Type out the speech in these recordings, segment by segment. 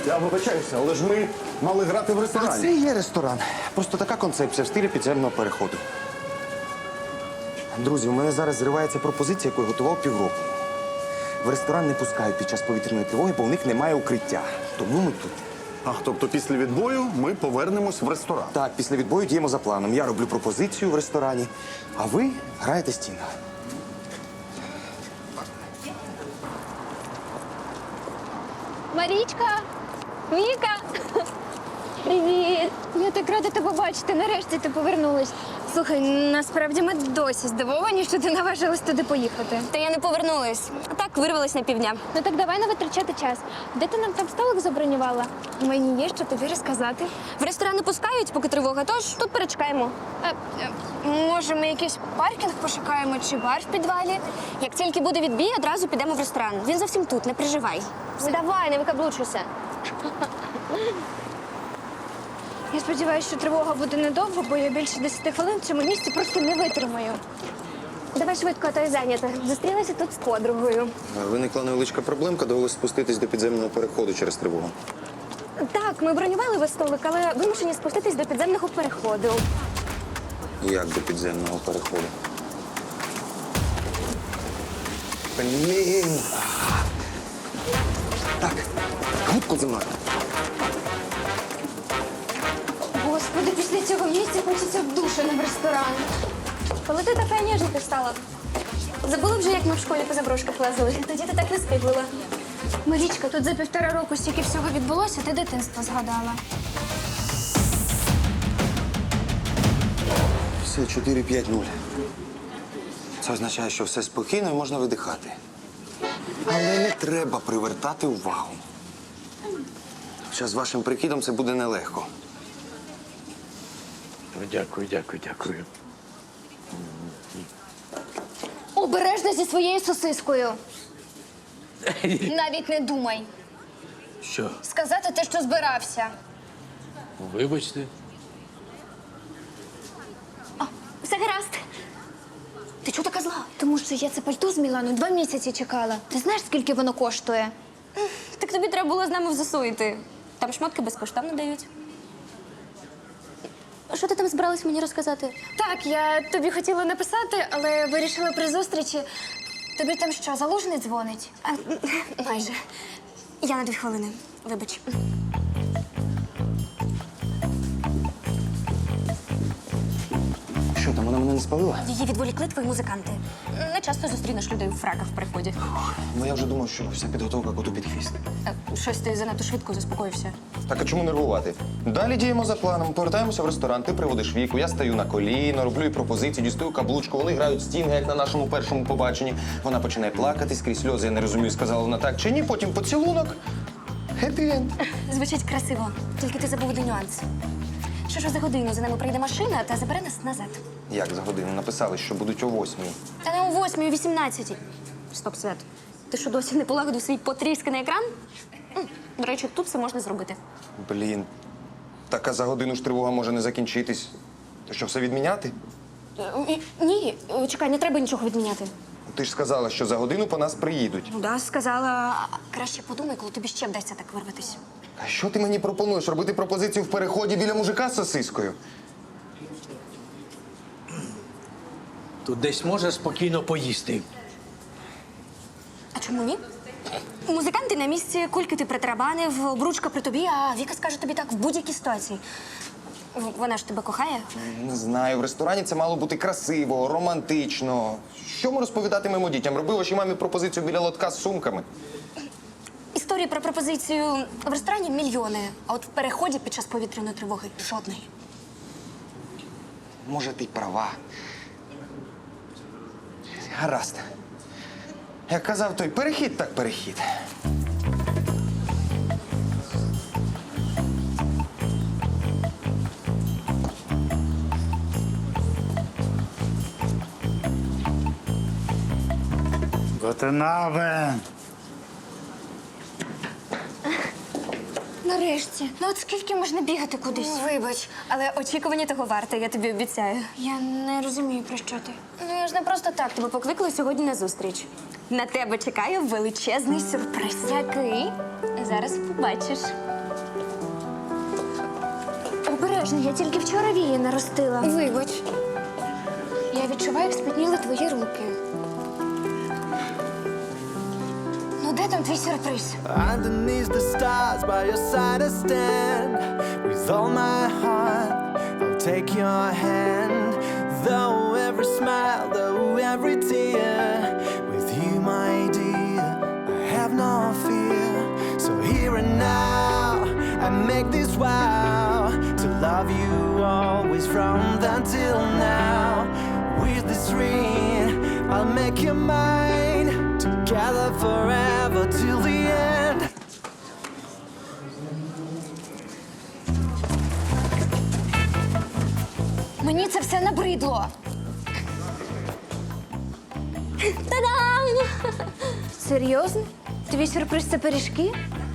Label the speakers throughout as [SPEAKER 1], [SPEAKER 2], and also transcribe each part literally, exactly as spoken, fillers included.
[SPEAKER 1] Я вибачаюся, але ж ми мали грати в
[SPEAKER 2] А
[SPEAKER 1] ресторані.
[SPEAKER 2] це є ресторан. Просто така концепція в стилі підземного переходу. Друзі, у мене зараз зривається пропозиція, яку я готував півроку. В ресторан не пускають під час повітряної тривоги, бо у них немає укриття. Тому ми тут.
[SPEAKER 1] А, тобто після відбою ми повернемось в ресторан.
[SPEAKER 2] Так, після відбою діємо за планом. Я роблю пропозицію в ресторані, а ви граєте стінг.
[SPEAKER 3] Марічка! Віка! Привіт! Я так рада тебе бачити. Нарешті ти повернулась. Слухай, насправді ми досі здивовані, що ти наважилась туди поїхати.
[SPEAKER 4] Та я не повернулась. А так вирвалась на півдня.
[SPEAKER 3] Ну так давай не витрачати час. Де ти нам там столик забронювала? Мені є що тобі розказати.
[SPEAKER 4] В ресторан не пускають, поки тривога, тож тут перечекаємо.
[SPEAKER 3] А, а, може, ми якийсь паркінг пошукаємо чи бар в підвалі?
[SPEAKER 4] Як тільки буде відбій, одразу підемо в ресторан. Він зовсім тут, не переживай.
[SPEAKER 3] Ну, давай, не викаблучуйся. Я сподіваюся, що тривога буде недовго, бо я більше десяти хвилин в цьому місці просто не витримаю. Давай швидко, а то я зайнята. Зустрілася тут з подругою.
[SPEAKER 2] Виникла невеличка проблемка, довелося спуститись до підземного переходу через тривогу.
[SPEAKER 3] Так, ми бронювали весь столик, але вимушені спуститись до підземного переходу.
[SPEAKER 2] Як до підземного переходу? Блін! Так, губку зі мною.
[SPEAKER 3] Господи, після цього місця хочеться в душ, а не в ресторан. Коли ти така ніжника стала?
[SPEAKER 4] Забула вже, як ми в школі по заброшках лазили. Тоді ти так не скиглила.
[SPEAKER 3] Марічка, тут за півтора року стільки всього відбулося, ти дитинство згадала.
[SPEAKER 2] Все, чотири п'ять нуль. Це означає, що все спокійно і можна видихати. Але не треба привертати увагу. Хоча з вашим прикидом це буде нелегко.
[SPEAKER 5] Ну, дякую, дякую, дякую.
[SPEAKER 3] Обережно зі своєю сосискою. Навіть не думай.
[SPEAKER 5] Що?
[SPEAKER 3] Сказати те, що збирався.
[SPEAKER 5] Вибачте.
[SPEAKER 3] Все гаразд. Ти чого така зла? Тому що я це пальто з Мілану два місяці чекала. Ти знаєш, скільки воно коштує?
[SPEAKER 4] Так тобі треба було з нами в ЗСУ йти. Там шмотки безкоштовно дають. Що ти там збиралась мені розказати?
[SPEAKER 3] Так, я тобі хотіла написати, але вирішила при зустрічі. Тобі там що, Залужний дзвонить?
[SPEAKER 4] А, майже. Я на дві хвилини. Вибач.
[SPEAKER 2] Що там, вона мене не спалила?
[SPEAKER 4] Її відволікли твої музиканти. Не часто зустрінеш людей у фраках в приході.
[SPEAKER 2] Ну я вже думав, що вся підготовка коту під хвіст.
[SPEAKER 4] Е, Щось ти занадто швидко заспокоївся.
[SPEAKER 2] Так, а чому нервувати? Далі діємо за планом. Повертаємося в ресторан, ти приводиш Віку, я стаю на коліно, роблю їй пропозиції, дістаю каблучку, вони грають стінги, як на нашому першому побаченні. Вона починає плакати скрізь сльози, я не розумію, сказала вона так чи ні, потім поцілунок. Хеппі-енд.
[SPEAKER 4] Звучить красиво, тільки ти забув один нюанс. Що ж за годину за нами прийде машина та забере нас назад.
[SPEAKER 2] Як за годину? Написали, що будуть о восьмій.
[SPEAKER 4] Та не о восьмій, о вісімнадцятій. Стоп, Свят. Ти що, досі не полагодив свій потрісканий екран? М, До речі, тут це можна зробити.
[SPEAKER 2] Блін. Так а за годину ж тривога може не закінчитись. То що, все відміняти?
[SPEAKER 4] Е, і- Ні, е, чекай, не треба нічого відміняти.
[SPEAKER 2] Ти ж сказала, що за годину по нас приїдуть.
[SPEAKER 4] Ну да, сказала. А краще подумай, коли тобі ще вдасться так вирватися.
[SPEAKER 2] А що ти мені пропонуєш? Робити пропозицію в переході біля мужика з сосискою?
[SPEAKER 5] Тут десь можна спокійно поїсти.
[SPEAKER 4] А чому ні? Музиканти на місці, кульки ти притарабанив, обручка при тобі, а Віка скаже тобі так в будь-якій ситуації. В- Вона ж тебе кохає.
[SPEAKER 2] Не знаю, в ресторані це мало бути красиво, романтично. Що ми розповідатимемо дітям? Роби вашій мамі пропозицію біля лотка з сумками.
[SPEAKER 4] Історії про пропозицію в ресторані мільйони, а от в переході під час повітряної тривоги жодної.
[SPEAKER 2] Може, ти й права. Гаразд. Як казав той, перехід так перехід.
[SPEAKER 6] Готенаве.
[SPEAKER 3] Нарешті. Ну от скільки можна бігати кудись?
[SPEAKER 4] Вибач, але очікування того варте, я тобі обіцяю.
[SPEAKER 3] Я не розумію, про що ти.
[SPEAKER 4] Ну я ж не просто так тебе покликала сьогодні на зустріч. На тебе чекає величезний сюрприз.
[SPEAKER 3] Який? Зараз побачиш. Обережно, я тільки вчора вії наростила.
[SPEAKER 4] Вибач.
[SPEAKER 3] Я відчуваю, як спітніли твої руки. Ну, де там твій сюрприз?
[SPEAKER 6] Underneath the stars, by your side I stand. With all my heart, I'll take your hand. Though every smile, though every tear, with you, my dear, I have no fear. So here and now, I make this vow to love you always from then till now. With this ring, I'll make you mine. Together forever till the end.
[SPEAKER 3] Мені це все набридло. Та-дам! Серйозно? Твій сюрприз – це пиріжки?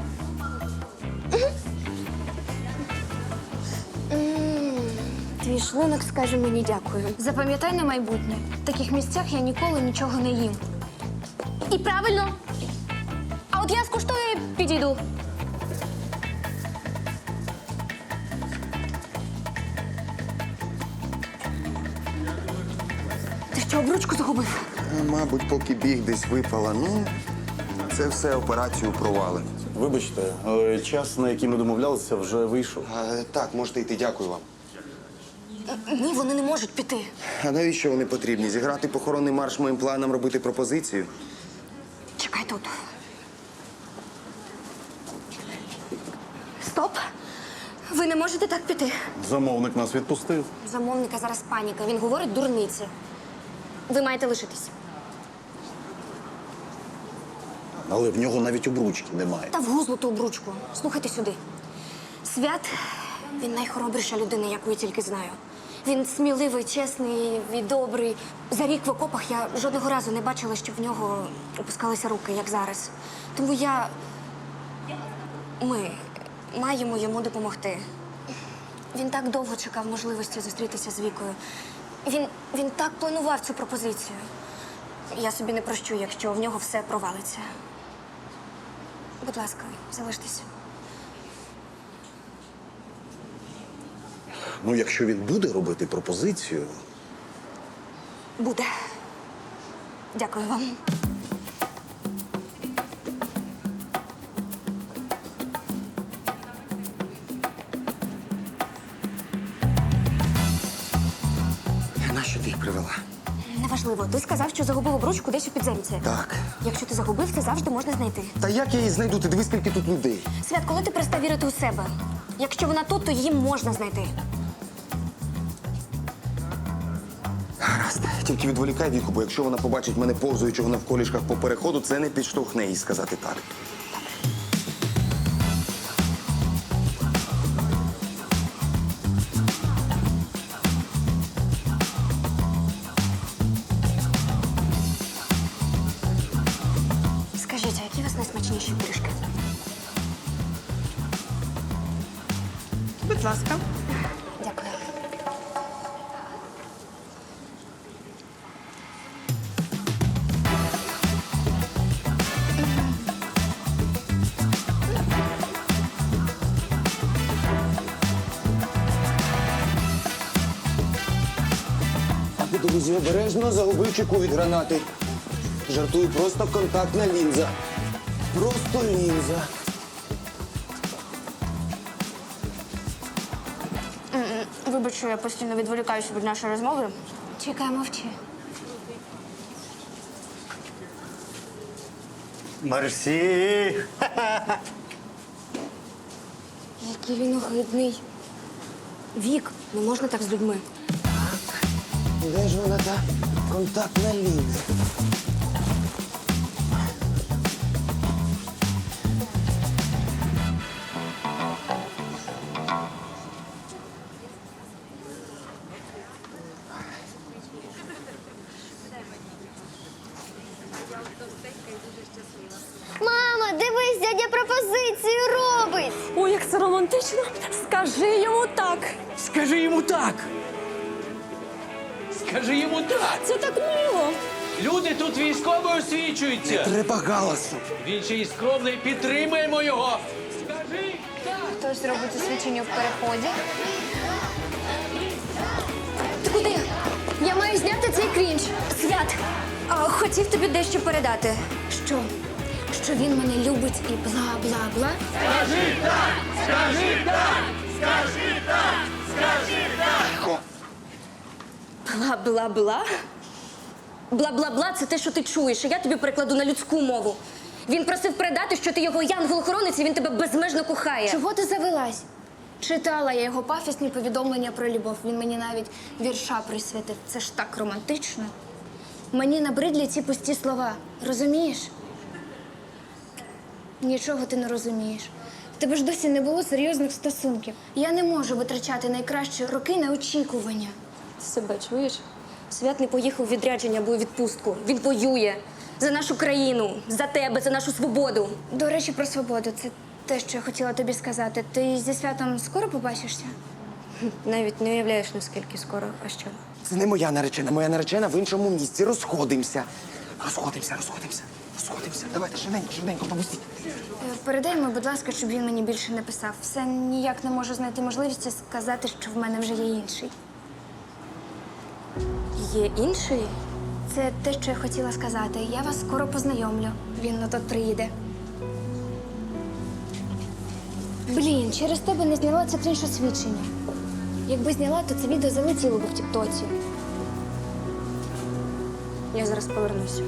[SPEAKER 3] М, Твій шлунок скаже мені дякую. Запам'ятай на майбутнє. В таких місцях я ніколи нічого не їм.
[SPEAKER 4] І правильно. А от я скуштую і підійду. Ти що, обручку загубив?
[SPEAKER 2] Мабуть, поки біг десь випала. Ну, це все операцію провали.
[SPEAKER 1] Вибачте, але час, на який ми домовлялися, вже вийшов.
[SPEAKER 2] А, так, можете йти, дякую вам.
[SPEAKER 4] Ні, вони не можуть піти.
[SPEAKER 2] А навіщо вони потрібні? Зіграти похоронний марш моїм планам, робити пропозицію?
[SPEAKER 4] Чекай тут. Стоп. Ви не можете так піти.
[SPEAKER 1] Замовник нас відпустив.
[SPEAKER 4] Замовника зараз паніка. Він говорить дурниці. Ви маєте лишитись.
[SPEAKER 1] Але в нього навіть обручки немає.
[SPEAKER 4] Та в гузлу ту обручку. Слухайте сюди. Свят, він найхоробріша людина, яку я тільки знаю. Він сміливий, чесний і добрий. За рік в окопах я жодного разу не бачила, щоб в нього опускалися руки, як зараз. Тому я... Ми маємо йому допомогти. Він так довго чекав можливості зустрітися з Вікою. Він, він так планував цю пропозицію. Я собі не прощу, якщо в нього все провалиться. Будь ласка, залиштеся.
[SPEAKER 1] Ну, якщо він буде робити пропозицію,
[SPEAKER 4] Буде. Дякую вам.
[SPEAKER 2] Нащо ти їх привела?
[SPEAKER 4] Неважливо. Ти сказав, що загубив обручку десь у підземці.
[SPEAKER 2] Так.
[SPEAKER 4] Якщо ти загубив, це завжди можна знайти.
[SPEAKER 2] Та як я її знайду? Ти диви, скільки тут людей.
[SPEAKER 4] Свят, коли ти перестав вірити у себе? Якщо вона тут, то її можна знайти.
[SPEAKER 2] Гаразд. Тільки відволікай Віку, бо якщо вона побачить мене повзуючого навколішках по переходу, це не підштовхне їй сказати так.
[SPEAKER 4] Скажіть, а які у вас найсмачніші пиріжки?
[SPEAKER 7] Будь ласка.
[SPEAKER 4] Дякую.
[SPEAKER 2] Друзі, обережно загубив чеку від гранати. Жартую, просто контактна лінза. Просто лінза.
[SPEAKER 4] Вибач, що я постійно відволікаюся від нашої розмови.
[SPEAKER 3] Чекай, мовчи.
[SPEAKER 1] Мерсі!
[SPEAKER 4] Який він огидний. Вік, не можна так з людьми.
[SPEAKER 2] Де ж вона та контактна лінза?
[SPEAKER 3] Мама, дивись, дядя пропозицію робить.
[SPEAKER 7] Ой, як це романтично. Скажи йому так.
[SPEAKER 5] Скажи йому так. Скажи йому так.
[SPEAKER 7] Це так мило.
[SPEAKER 5] Люди тут військово освічуються.
[SPEAKER 2] Треба галасу.
[SPEAKER 5] Він ще й скромний, підтримаємо його. Скажи!
[SPEAKER 3] Хтось зробить освічення в переході.
[SPEAKER 4] Ти куди? Я маю зняти цей крінж. Свят, а, хотів тобі дещо передати. Що? Що він мене любить і бла-бла-бла? Бла-бла-бла? Бла-бла-бла – це те, що ти чуєш, а я тобі перекладу на людську мову. Він просив передати, що ти його янгол-охоронець, і він тебе безмежно кохає.
[SPEAKER 3] Чого ти завелась? Читала я його пафісні повідомлення про любов. Він мені навіть вірша присвятив. Це ж так романтично. Мені набридлі ці пусті слова. Розумієш? Нічого ти не розумієш. В тебе ж досі не було серйозних стосунків. Я не можу витрачати найкращі роки на очікування.
[SPEAKER 4] Ти себе чуєш? Свят не поїхав у відрядження або у відпустку. Він воює за нашу країну, за тебе, за нашу свободу.
[SPEAKER 3] До речі, про свободу. Це те, що я хотіла тобі сказати. Ти зі святом скоро побачишся?
[SPEAKER 4] Навіть не уявляєш, наскільки скоро, а що?
[SPEAKER 2] Це не моя наречена, моя наречена в іншому місці. Розходимося. Розходимося, розходимося, розходимося. Давайте, швиденько, швиденько, побустіть.
[SPEAKER 3] Е, Передай йому, будь ласка, щоб він мені більше не писав. Все ніяк не можу знайти можливості сказати, що в мене вже є інший.
[SPEAKER 4] Є інший?
[SPEAKER 3] Це те, що я хотіла сказати. Я вас скоро познайомлю. Він на тут приїде. Блін, через тебе не зняла це крінж освідчення. Якби зняла, то це відео залетіло б в тіктоці.
[SPEAKER 4] Я зараз повернусь.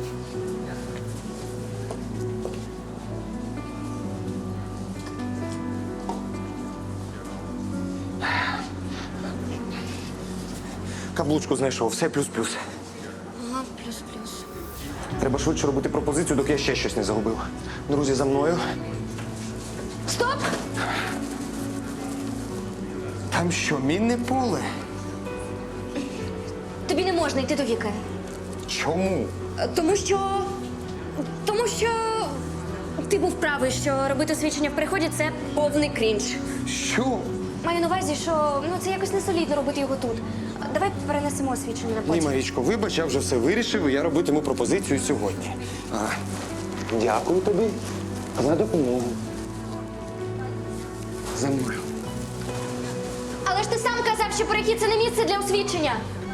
[SPEAKER 2] Каблучку знайшов, все плюс-плюс.
[SPEAKER 3] Ага, плюс-плюс.
[SPEAKER 2] Треба швидше робити пропозицію, доки я ще щось не загубив. Друзі, за мною.
[SPEAKER 3] Стоп!
[SPEAKER 2] Там що, мінне поле?
[SPEAKER 4] Тобі не можна йти до Віки.
[SPEAKER 2] Чому?
[SPEAKER 4] Е, Тому що. Тому що. Ти був правий, що робити освічення в переході це повний крінж.
[SPEAKER 2] Що?
[SPEAKER 4] Маю на увазі, що ну це якось не солідно робити його тут. Давай перенесемо освічення на
[SPEAKER 2] Ні,
[SPEAKER 4] потім.
[SPEAKER 2] Марічко, вибач, я вже все вирішив, і я робитиму пропозицію сьогодні. А, дякую тобі за допомогу. За мною.
[SPEAKER 4] Але ж ти сам казав, що перехід це не місце для освідчення.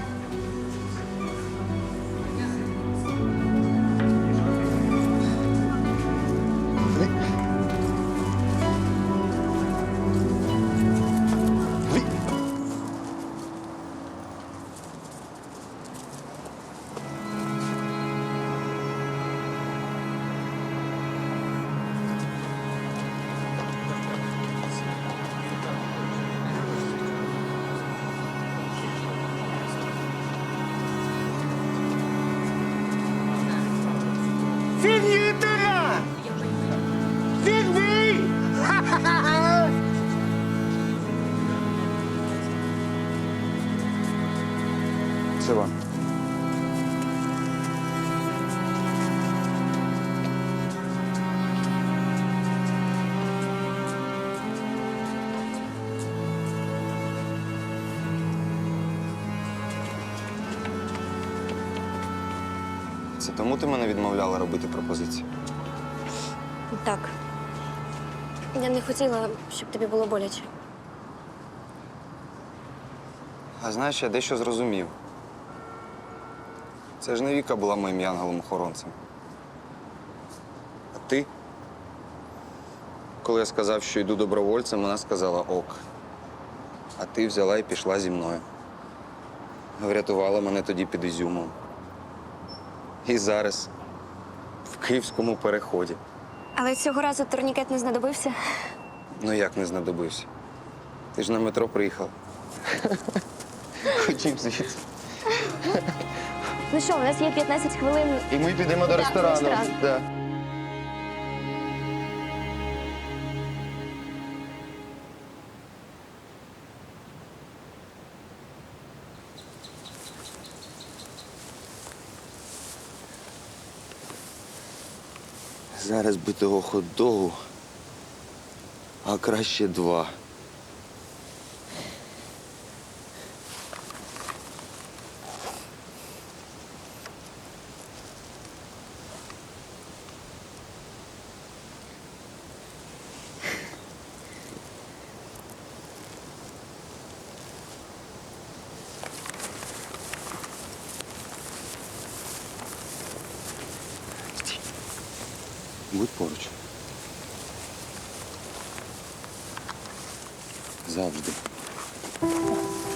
[SPEAKER 6] Finita! Finny!
[SPEAKER 2] Це вам. Це тому ти мене відмовляла робити пропозицію?
[SPEAKER 4] Так. Я не хотіла, щоб тобі було боляче.
[SPEAKER 2] А знаєш, я дещо зрозумів. Це ж не Віка була моїм янголом-охоронцем. А ти? Коли я сказав, що йду добровольцем, вона сказала ок. А ти взяла і пішла зі мною. Врятувала мене тоді під Ізюмом. І зараз в Київському переході.
[SPEAKER 4] Але цього разу турнікет не знадобився.
[SPEAKER 2] Ну як не знадобився? Ти ж на метро приїхав. Ходім звідси.
[SPEAKER 4] Ну що, у нас є п'ятнадцять хвилин.
[SPEAKER 2] І ми підемо до
[SPEAKER 4] Так,
[SPEAKER 2] ресторану.
[SPEAKER 4] в ресторан.
[SPEAKER 2] Да. Зараз би того хот-догу, а краще два. Будь поруч. Завжди.